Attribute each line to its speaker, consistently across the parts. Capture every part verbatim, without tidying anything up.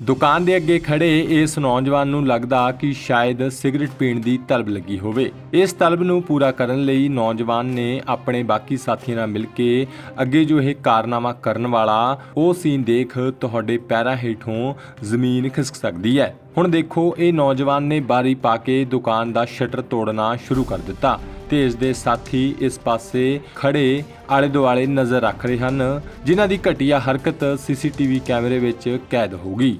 Speaker 1: ਦੁਕਾਨ ਦੇ ਅੱਗੇ ਖੜੇ ਇਸ ਨੌਜਵਾਨ ਨੂੰ ਲੱਗਦਾ ਕਿ ਸ਼ਾਇਦ ਸਿਗਰਟ ਪੀਣ ਦੀ ਤਲਬ ਲੱਗੀ ਹੋਵੇ। ਇਸ ਤਲਬ ਨੂੰ ਪੂਰਾ ਕਰਨ ਲਈ ਨੌਜਵਾਨ ਨੇ ਆਪਣੇ ਬਾਕੀ ਸਾਥੀਆਂ ਨਾਲ ਮਿਲ ਕੇ ਅੱਗੇ ਜੋ ਇਹ ਕਾਰਨਾਮਾ ਕਰਨ ਵਾਲਾ ਉਹ ਸੀਨ ਦੇਖ ਤੁਹਾਡੇ ਪੈਰਾਂ ਹੇਠੋਂ ਜ਼ਮੀਨ ਖਿਸਕ ਸਕਦੀ ਹੈ। ਹੁਣ ਦੇਖੋ, ਇਹ ਨੌਜਵਾਨ ਨੇ ਬਾਰੀ ਪਾ ਕੇ ਦੁਕਾਨ ਦਾ ਸ਼ਟਰ ਤੋੜਨਾ ਸ਼ੁਰੂ ਕਰ ਦਿੱਤਾ ਤੇ ਇਸ ਦੇ ਸਾਥੀ ਇਸ ਪਾਸੇ ਖੜੇ ਆਲੇ ਦੁਆਲੇ ਨਜ਼ਰ ਰੱਖ ਰਹੇ ਹਨ, ਜਿਨ੍ਹਾਂ ਦੀ ਘਟੀਆ ਹਰਕਤ ਸੀਸੀਟੀਵੀ ਕੈਮਰੇ ਵਿੱਚ ਕੈਦ ਹੋ ਗਈ।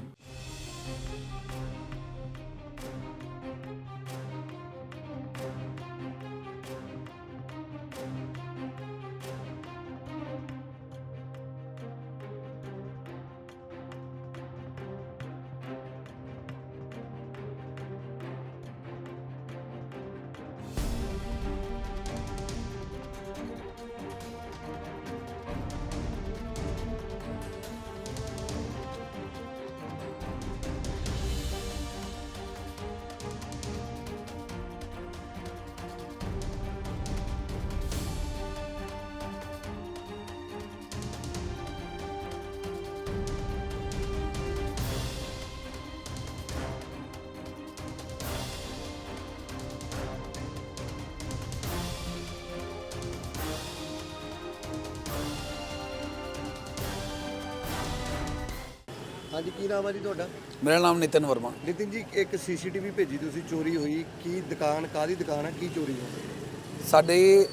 Speaker 2: हाँ जी, की नाम है जी ਤੁਹਾਡਾ?
Speaker 3: मेरा नाम नितिन वर्मा।
Speaker 2: नितिन जी, एक सीसीटीवी भेजी ਤੁਸੀਂ ਚੋਰੀ ਹੋਈ, ਕੀ ਦੁਕਾਨ ਕਾਦੀ ਦੁਕਾਨ ਹੈ, ਕੀ ਚੋਰੀ ਹੋਈ?
Speaker 3: ਸਾਡੀ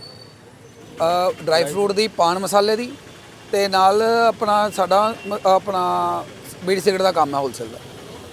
Speaker 3: ਡਰਾਈ ਫਰੂਟ ਦੀ, ਪਾਨ ਮਸਾਲੇ ਦੀ ਤੇ ਨਾਲ ਆਪਣਾ ਸਾਡਾ ਮ- ਆਪਣਾ ਬੀੜੀ ਸਿਗਰਟ ਦਾ ਕੰਮ ਹੈ ਹੋਲਸੇਲ ਦਾ।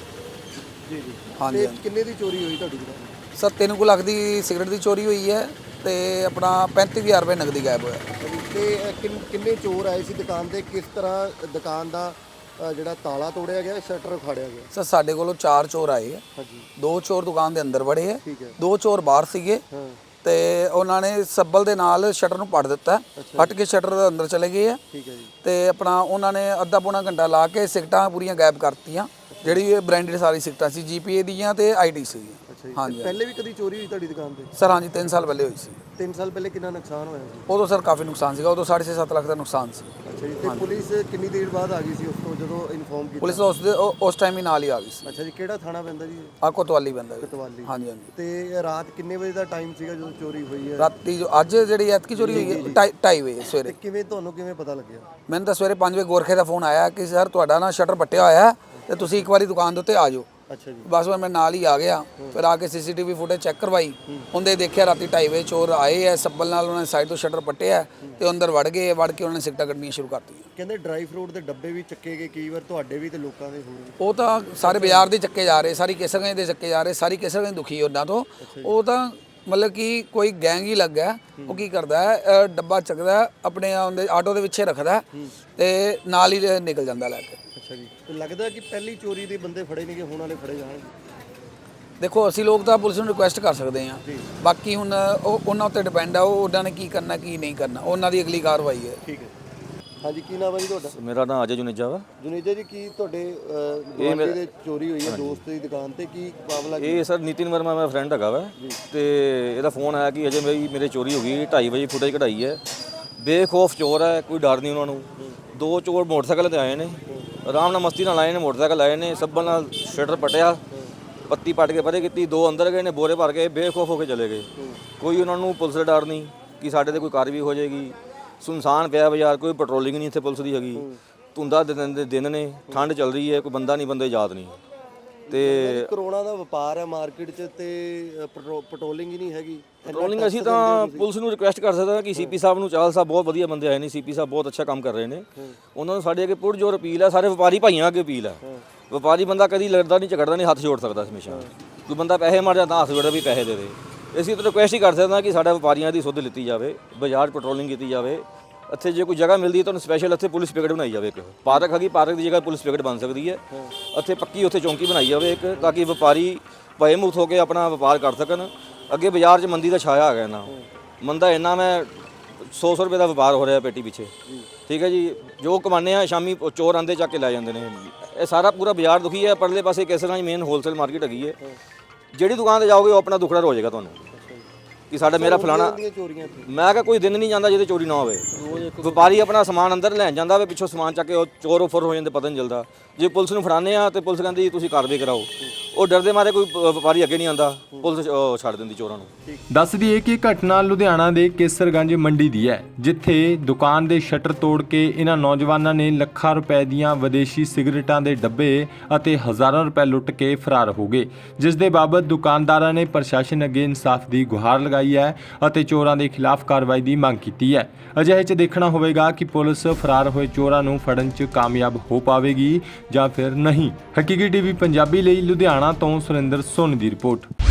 Speaker 2: ਜੀ ਜੀ।
Speaker 3: ਹਾਂਜੀ,
Speaker 2: ਤੇ
Speaker 3: ਹਾਂਜੀ।
Speaker 2: ਕਿੰਨੇ ਦੀ ਚੋਰੀ ਹੋਈ ਤੁਹਾਡੀ ਦੁਕਾਨ?
Speaker 3: ਸਰ ਤਿੰਨ ਕੁ ਲੱਖ ਦੀ ਸਿਗਰਟ ਦੀ ਚੋਰੀ ਹੋਈ ਹੈ ਤੇ ਆਪਣਾ ਪੈਂਤੀ ਹਜ਼ਾਰ ਰੁਪਏ ਨਗਦੀ ਗਾਇਬ ਹੋਇਆ।
Speaker 2: ਤੇ ਅ, ਕਿੰਨ- ਕਿੰਨੇ ਚੋਰ ਆਏ ਸੀ ਦੁਕਾਨ ਤੇ? ਕਿਸ ਤਰ੍ਹਾਂ ਦੁਕਾਨ ਦਾ ਅ, ਜਿਹੜਾ ਤਾਲਾ ਤੋੜਿਆ ਗਿਆ, ਸ਼ਟਰ ਉਖਾੜਿਆ ਗਿਆ?
Speaker 3: ਸਰ ਸਾਡੇ ਕੋਲੋਂ ਚਾਰ ਚੋਰ ਆਏ ਹੈ।
Speaker 2: ਹਾਂਜੀ,
Speaker 3: ਦੋ ਚੋਰ ਦੁਕਾਨ ਦੇ ਅੰਦਰ ਵੜੇ ਹੈ,
Speaker 2: ਠੀਕ ਹੈ।
Speaker 3: ਦੋ ਚੋਰ ਬਾਹਰ ਸੀਗੇ
Speaker 2: ਹਾਂ,
Speaker 3: ਤੇ ਉਹਨਾਂ ਨੇ ਸੱਬਲ ਦੇ ਨਾਲ ਸ਼ਟਰ ਨੂੰ ਪੜ ਦਿੱਤਾ, ਫਟ ਕੇ ਸ਼ਟਰ ਦੇ ਅੰਦਰ ਚਲੇ ਗਏ ਹੈ
Speaker 2: ਠੀਕ ਹੈ ਜੀ।
Speaker 3: ਤੇ ਆਪਣਾ ਉਹਨਾਂ ਨੇ ਅੱਧਾ ਪੌਣਾ ਘੰਟਾ ਲਾ ਕੇ ਸਿਗਰਟਾਂ ਪੂਰੀਆਂ ਗਾਇਬ ਕਰਤੀਆਂ, ਜਿਹੜੀ ਬ੍ਰਾਂਡਡ ਸਾਰੀ ਸਿਗਰਟਾਂ ਸੀ, ਜੀਪੀਏ ਦੀਆਂ ਤੇ ਆਈਟੀ ਸੀ।
Speaker 2: ਅੱਛਾ ਜੀ।
Speaker 3: ਹਾਂਜੀ,
Speaker 2: ਤੇ ਪਹਿਲੇ ਵੀ ਕਦੀ ਚੋਰੀ ਹੋਈ ਤੁਹਾਡੀ ਦੁਕਾਨ ਤੇ?
Speaker 3: ਸਰ ਹਾਂਜੀ ਤਿੰਨ ਸਾਲ ਪਹਿਲੇ ਹੋਈ ਸੀ।
Speaker 2: ਤਿੰਨ ਸਾਲ ਪਹਿਲੇ ਕਿੰਨਾ ਨੁਕਸਾਨ ਹੋਇਆ ਸੀ?
Speaker 3: ਉਦੋਂ ਸਰ ਕਾਫੀ ਨੁਕਸਾਨ ਸੀਗਾ, ਉਦੋਂ ਸਾਢੇ ਛੇ ਸੱਤ ਲੱਖ ਦਾ ਨੁਕਸਾਨ ਸੀ।
Speaker 2: ਅੱਛਾ ਜੀ। ਤੇ ਪੁਲਿਸ ਕਿੰਨੀ ਦੇਰ ਬਾਅਦ ਆ ਗਈ ਸੀ ਉਸ ਤੋਂ, ਜਦੋਂ ਇਨਫੋਰਮ ਕੀਤਾ?
Speaker 3: ਪੁਲਿਸ ਉਸ ਦੇ ਉਹ- ਉਸ ਟਾਈਮ ਹੀ ਨਾਲ ਹੀ ਆ ਗਈ ਸੀ।
Speaker 2: ਅੱਛਾ ਜੀ। ਕਿਹੜਾ ਥਾਣਾ ਪੈਂਦਾ ਜੀ?
Speaker 3: ਆ ਕੋਤਵਾਲੀ ਬੰਦਾ ਜੀ।
Speaker 2: ਕੋਤਵਾਲੀ।
Speaker 3: ਹਾਂਜੀ ਹਾਂਜੀ।
Speaker 2: ਤੇ ਰਾਤ ਕਿੰਨੇ ਵਜੇ ਦਾ ਟਾਈਮ ਸੀਗਾ ਜਦੋਂ ਚੋਰੀ ਹੋਈ ਹੈ?
Speaker 3: ਰਾਤੀ ਜੋ ਅੱਜ ਜਿਹੜੀ ਐਤਕੀ ਚੋਰੀ ਹੋਈ ਹੈ ਢਾਈ ਢਾਈ ਵਜੇ
Speaker 2: ਤੇ
Speaker 3: ਸਵੇਰੇ।
Speaker 2: ਕਿਵੇਂ ਤੁਹਾਨੂੰ ਕਿਵੇਂ ਪਤਾ ਲੱਗਿਆ?
Speaker 3: ਮੈਨੂੰ ਤਾਂ ਸਵੇਰੇ ਪੰਜ ਵਜੇ ਗੋਰਖੇ ਦਾ ਫੋਨ ਆਇਆ ਕਿ ਸਰ ਤੁਹਾਡਾ ਨਾ ਸ਼ਟਰ ਪੱਟਿਆ ਹੋਇਆ ਹੈ ਤੇ ਤੁਸੀਂ ਇੱਕ ਵਾਰੀ ਦੁਕਾਨ ਦੇ ਉੱਤੇ ਆ ਜਾਓ।
Speaker 2: ਅੱਛਾ ਜੀ।
Speaker 3: ਬਸ ਮੈਂ ਨਾਲ ਹੀ ਆ ਗਿਆ, ਫਿਰ ਆ ਕੇ ਸੀਸੀਟੀਵੀ ਫੁਟੇਜ ਚੈੱਕ ਕਰਵਾਈ, ਉਹਦੇ ਦੇਖਿਆ ਰਾਤੀ ਢਾਈ ਵਜੇ ਚੋਰ ਆਏ ਐ, ਸੱਬਲ ਨਾਲ ਉਹਨਾਂ ਨੇ ਸਾਈਡ ਤੋਂ ਸ਼ਟਰ ਪੱਟਿਆ ਤੇ ਅੰਦਰ ਵੜ ਗਏ, ਵੜ ਕੇ ਉਹਨਾਂ ਨੇ ਸਿਗਰਟਾਂ ਕੱਢਣੀਆਂ ਸ਼ੁਰੂ ਕਰਤੀਆਂ।
Speaker 2: ਕਹਿੰਦੇ ਡਰਾਈ ਫਰੂਟ ਦੇ ਡੱਬੇ ਵੀ ਚੱਕੇ ਗਏ ਕਈ ਵਾਰ, ਤੁਹਾਡੇ ਵੀ ਤੇ ਲੋਕਾਂ ਦੇ ਹੋਰ ਵੀ।
Speaker 3: ਉਹ ਤਾਂ ਸਾਰੇ ਬਾਜ਼ਾਰ ਦੇ ਚੱਕੇ ਜਾ ਰਹੇ, ਸਾਰੀ ਕੇਸਰਗੰਜ ਦੇ ਚੱਕੇ ਜਾ ਰਹੇ, ਸਾਰੀ ਕੇਸਰਗੰਜ ਦੁਖੀ ਉਹਨਾਂ ਤੋਂ। ਉਹ ਤਾਂ ਮਤਲਬ ਕਿ ਕੋਈ ਗੈਂਗ ਹੀ ਲੱਗਾ, ਉਹ ਕੀ ਕਰਦਾ ਹੈ ਅ, ਡੱਬਾ ਚੱਕਦਾ ਹੈ, ਆਪਣੇ ਉਹਦੇ ਆਟੋ ਦੇ ਪਿੱਛੇ ਰੱਖਦਾ ਤੇ ਨਾਲ ਹੀ ਨਿਕਲ ਜਾਂਦਾ ਲੈ ਕੇ।
Speaker 2: ਅੱਛਾ ਜੀ। ਤੇ ਲੱਗਦਾ ਕਿ ਪਹਿਲੀ ਚੋਰੀ ਦੇ ਬੰਦੇ ਫੜੇ ਨਹੀਂ ਗਏ, ਹੁਣ ਵਾਲੇ ਫੜੇ ਜਾਣਗੇ?
Speaker 3: ਦੇਖੋ ਅਸੀਂ ਲੋਕ ਤਾਂ ਪੁਲਿਸ ਨੂੰ ਰਿਕੁਐਸਟ ਕਰ ਸਕਦੇ ਹਾਂ, ਬਾਕੀ ਹੁਣ ਉਹ ਉਹਨਾਂ ਉੱਤੇ ਡਿਪੈਂਡ ਆ, ਉਹ ਉਹਨਾਂ ਨੇ ਕੀ ਕਰਨਾ ਕੀ ਨਹੀਂ ਕਰਨਾ, ਉਹਨਾਂ ਦੀ ਅਗਲੀ ਕਾਰਵਾਈ ਹੈ।
Speaker 2: ਠੀਕ ਹੈ। ਹਾਂਜੀ, ਕੀ ਨਾਮ ਹੈ ਜੀ ਤੁਹਾਡਾ?
Speaker 4: ਮੇਰਾ ਨਾਮ ਅਜੇ ਜੁਨੇਜਾ ਵਾ।
Speaker 2: ਜੁਨੇਜਾ ਜੀ, ਕੀ ਤੁਹਾਡੇ ਗੁਆਂਢੀ ਦੇ ਚੋਰੀ ਹੋਈ ਹੈ ਦੋਸਤ ਦੀ ਦੁਕਾਨ ਤੇ, ਕੀ ਮਾਮਲਾ?
Speaker 4: ਇਹ ਸਰ ਨਿਤਿਨ ਵਰਮਾ ਮੇਰਾ ਫਰੈਂਡ ਹੈਗਾ ਵਾ ਤੇ ਇਹਦਾ ਫੋਨ ਆਇਆ ਕਿ ਅਜੇ ਮੇਰੀ ਮੇਰੇ ਚੋਰੀ ਹੋ ਗਈ, ਢਾਈ ਵਜੇ ਫੁਟੇਜ ਕਢਾਈ ਹੈ। ਬੇਖੌਫ ਚੋਰ ਹੈ, ਕੋਈ ਡਰ ਨਹੀਂ ਉਹਨਾਂ ਨੂੰ। ਦੋ ਚੋਰ ਮੋਟਰਸਾਈਕਲ ਤੇ ਆਏ ਨੇ, ਆਰਾਮ ਨਾਲ ਮਸਤੀ ਨਾਲ ਆਏ ਨੇ, ਮੋਟਰਸਾਈਕਲ ਆਏ ਨੇ, ਸੱਬਲ ਨਾਲ ਸ਼ਟਰ ਪਟਿਆ, ਪੱਤੀ ਪੱਟ ਕੇ ਪਰੇ ਕੀਤੀ, ਦੋ ਅੰਦਰ ਗਏ ਨੇ, ਬੋਰੇ ਭਰ ਕੇ ਬੇਖੌਫ ਹੋ ਕੇ ਚਲੇ ਗਏ। ਕੋਈ ਉਹਨਾਂ ਨੂੰ ਪੁਲਿਸ ਦਾ ਡਰ ਨਹੀਂ ਕਿ ਸਾਡੇ ਤੇ ਕੋਈ ਕਾਰਵਾਈ ਹੋ ਜਾਏਗੀ। ਸੁਨਸਾਨ ਪਿਆ ਬਾਜ਼ਾਰ, ਕੋਈ ਪੈਟਰੋਲਿੰਗ ਨਹੀਂ ਇੱਥੇ ਪੁਲਿਸ ਦੀ ਹੈਗੀ। ਧੁੰਦਾ ਦਿਨ ਦੇ ਦਿਨ ਨੇ, ਠੰਡ ਚੱਲ ਰਹੀ ਹੈ, ਕੋਈ ਬੰਦਾ ਨਹੀਂ, ਬੰਦੇ ਯਾਦ ਨਹੀਂ। ਤੇ
Speaker 2: ਕਰੋਨਾ ਦਾ ਵਪਾਰ ਹੈ ਮਾਰਕੀਟ 'ਚ ਤੇ ਪੈਟਰੋਲਿੰਗ ਹੀ ਨਹੀਂ ਹੈਗੀ।
Speaker 4: ਪੈਟਰੋਲਿੰਗ ਅਸੀਂ ਤਾਂ ਪੁਲਿਸ ਨੂੰ ਰਿਕੁਐਸਟ ਕਰ ਸਕਦੇ ਹਾਂ ਕਿ ਸੀਪੀ ਸਾਹਿਬ ਨੂੰ, ਚਾਹਲ ਸਾਹਿਬ ਬਹੁਤ ਵਧੀਆ ਬੰਦੇ ਆਏ ਨੇ, ਸੀਪੀ ਸਾਹਿਬ ਬਹੁਤ ਅੱਛਾ ਕੰਮ ਕਰ ਰਹੇ ਨੇ, ਉਹਨਾਂ ਨੂੰ ਸਾਡੇ ਅੱਗੇ ਪੁਰਜੋਰ ਅਪੀਲ ਹੈ, ਸਾਰੇ ਵਪਾਰੀ ਭਾਈਆਂ ਅੱਗੇ ਅਪੀਲ ਹੈ। ਵਪਾਰੀ ਬੰਦਾ ਕਦੀ ਲੜਦਾ ਨਹੀਂ, ਝਗੜਦਾ ਨਹੀਂ, ਹੱਥ ਜੋੜ ਸਕਦਾ ਹਮੇਸ਼ਾ। ਕੋਈ ਬੰਦਾ ਪੈਸੇ ਮਾਰ ਜਾਂਦਾ, ਹੱਥ ਜੋੜਦਾ ਵੀ ਪੈਸੇ ਦੇ ਦੇ। ਅਸੀਂ ਤਾਂ ਰਿਕੁਐਸਟ ਹੀ ਕਰ ਸਕਦੇ ਹਾਂ ਕਿ ਸਾਡੇ ਵਪਾਰੀਆਂ ਦੀ ਸੁੱਧ ਲਿੱਤੀ ਜਾਵੇ, ਬਾਜ਼ਾਰ ਪੈਟਰੋਲਿੰਗ ਕੀਤੀ ਜਾਵੇ। ਇੱਥੇ ਜੇ ਕੋਈ ਜਗ੍ਹਾ ਮਿਲਦੀ ਹੈ ਤੁਹਾਨੂੰ ਸਪੈਸ਼ਲ ਇੱਥੇ ਪੁਲਿਸ ਪਿਕਟ ਬਣਾਈ ਜਾਵੇ। ਇੱਕ ਪਾਰਕ ਹੈਗੀ, ਪਾਰਕ ਦੀ ਜਗ੍ਹਾ ਪੁਲਿਸ ਪਿਕਟ ਬਣ ਸਕਦੀ ਹੈ। ਇੱਥੇ ਪੱਕੀ ਉੱਥੇ ਚੌਂਕੀ ਬਣਾਈ ਜਾਵੇ ਇੱਕ, ਤਾਂ ਕਿ ਵਪਾਰੀ ਭਏ ਮੁਕਤ ਹੋ ਕੇ ਆਪਣਾ ਵਪਾਰ ਕਰ ਸਕਣ। ਅੱਗੇ ਬਾਜ਼ਾਰ 'ਚ ਮੰਦੀ ਦਾ ਛਾਇਆ ਆ ਗਿਆ ਨਾ, ਮੰਦਾ ਇੰਨਾ, ਮੈਂ ਸੌ ਸੌ ਰੁਪਏ ਦਾ ਵਪਾਰ ਹੋ ਰਿਹਾ ਪੇਟੀ ਪਿੱਛੇ। ਠੀਕ ਹੈ ਜੀ। ਜੋ ਕਮਾਉਂਦੇ ਆ ਸ਼ਾਮੀ ਚੋਰ ਆਂਦੇ ਚੱਕ ਕੇ ਲੈ ਜਾਂਦੇ ਨੇ। ਇਹ ਸਾਰਾ ਪੂਰਾ ਬਾਜ਼ਾਰ ਦੁਖੀ ਹੈ। ਪਰਲੇ ਪਾਸੇ ਕੇਸਰਗੰਜ ਮੇਨ ਹੋਲਸੇਲ ਮਾਰਕੀਟ ਹੈਗੀ ਹੈ। ਜਿਹੜੀ ਦੁਕਾਨ ਤੇ ਜਾਓਗੇ ਉਹ ਆਪਣਾ ਦੁਖੜਾ ਹੋ ਜਾਏਗਾ ਤੁਹਾਨੂੰ। ਕਿ ਸਾਡਾ ਮੇਰਾ ਫਲਾਣਾ
Speaker 2: ਦੀਆਂ ਚੋਰੀਆਂ ਇੱਥੇ
Speaker 4: ਮੈਂ ਕਿਹਾ ਕੋਈ ਦਿਨ ਨਹੀਂ ਜਾਂਦਾ ਜਿਹਦੇ ਚੋਰੀ ਨਾ ਹੋਵੇ ਵਪਾਰੀ ਆਪਣਾ ਸਮਾਨ ਅੰਦਰ ਲੈਣ ਜਾਂਦਾ ਵੇ ਪਿੱਛੋਂ ਸਮਾਨ ਚੱਕ ਕੇ ਉਹ ਚੋਰ ਉਫਰ ਹੋ ਜਾਂਦੇ ਪਤਾ ਨਹੀਂ ਚੱਲਦਾ ਜੇ ਪੁਲਿਸ ਨੂੰ ਫੜਾਉਂਦੇ ਆ ਤੇ ਪੁਲਿਸ ਕਹਿੰਦੀ ਤੁਸੀਂ ਕਾਰਵਾਈ ਕਰਾਓ ਉਹ ਡਰਦੇ ਮਾਰੇ ਕੋਈ ਪ- ਵਪਾਰੀ ਅੱਗੇ ਨਹੀਂ ਆਉਂਦਾ ਪੁਲਿਸ ਉਹ ਛੱਡ ਦਿੰਦੀ ਚੋਰਾਂ ਨੂੰ।
Speaker 1: ਦੱਸ ਦਈਏ ਕਿ ਘਟਨਾ ਲੁਧਿਆਣਾ ਦੇ ਕੇਸਰਗੰਜ ਮੰਡੀ ਦੀ ਹੈ, ਜਿੱਥੇ ਦੁਕਾਨ ਦੇ ਸ਼ਟਰ ਤੋੜ ਕੇ ਇਹਨਾਂ ਨੌਜਵਾਨਾਂ ਨੇ ਲੱਖਾਂ ਰੁਪਏ ਦੀਆਂ ਵਿਦੇਸ਼ੀ ਸਿਗਰਟਾਂ ਦੇ ਡੱਬੇ ਅਤੇ ਹਜ਼ਾਰਾਂ ਰੁਪਏ ਲੁੱਟ ਕੇ ਫਰਾਰ ਹੋ ਗਏ, ਜਿਸ ਦੇ ਬਾਬਤ ਦੁਕਾਨਦਾਰਾਂ ਨੇ ਪ੍ਰਸ਼ਾਸਨ ਅੱਗੇ ਇਨਸਾਫ ਦੀ ਗੁਹਾਰ ਲਗਾਈ ਹੈ ਅਤੇ ਚੋਰਾਂ ਦੇ ਖਿਲਾਫ ਕਾਰਵਾਈ ਦੀ ਮੰਗ ਕੀਤੀ ਹੈ। ਅਜਿਹੇ 'ਚ ਦੇਖਣਾ ਹੋਵੇਗਾ ਕਿ ਪੁਲਿਸ ਫਰਾਰ ਹੋਏ ਚੋਰਾਂ ਨੂੰ ਫੜਨ 'ਚ ਕਾਮਯਾਬ ਹੋ ਪਾਵੇਗੀ ਜਾਂ ਫਿਰ ਨਹੀਂ। ਹਕੀਕੀ ਟੀਵੀ ਪੰਜਾਬੀ ਲਈ ਲੁਧਿਆਣਾ ਤੋਂ ਸੁਰਿੰਦਰ ਸੋਨੀ ਦੀ ਰਿਪੋਰਟ।